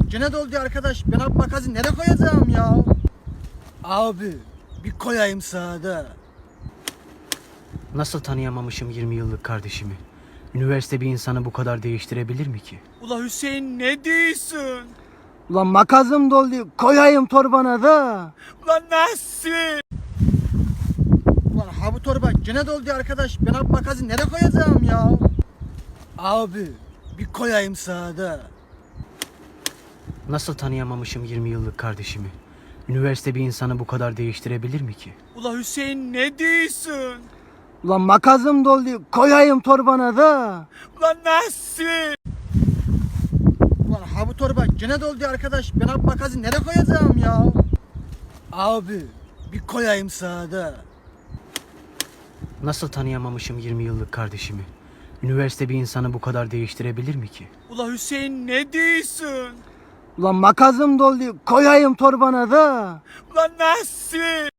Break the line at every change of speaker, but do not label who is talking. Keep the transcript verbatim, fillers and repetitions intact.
gene doldu arkadaş. Ben abi makası nereye koyacağım ya? Abi bir koyayım sağda.
Nasıl tanıyamamışım yirmi yıllık kardeşimi? Üniversite bir insanı bu kadar değiştirebilir mi ki?
Ula Hüseyin ne diyorsun?
Ulan makasım doldu. Koyayım torbana da.
Ulan nasıl? Ulan ha bu torba gene doldu arkadaş. Ben abi makası nereye koyacağım ya? Abi bir koyayım sağda.
Nasıl tanıyamamışım yirmi yıllık kardeşimi? Üniversite bir insanı bu kadar değiştirebilir mi ki?
Ula Hüseyin ne diyorsun?
Ulan makasım doldu. Koyayım torbana da.
Ulan nasıl? Ulan ha bu torba gene doldu arkadaş. Ben abi makası nereye koyacağım ya? Abi bir koyayım sağda.
Nasıl tanıyamamışım yirmi yıllık kardeşimi? Üniversite bir insanı bu kadar değiştirebilir mi ki?
Ula Hüseyin ne diyorsun?
Ulan makasım doldu. Koyayım torbana da.
Ulan nasıl?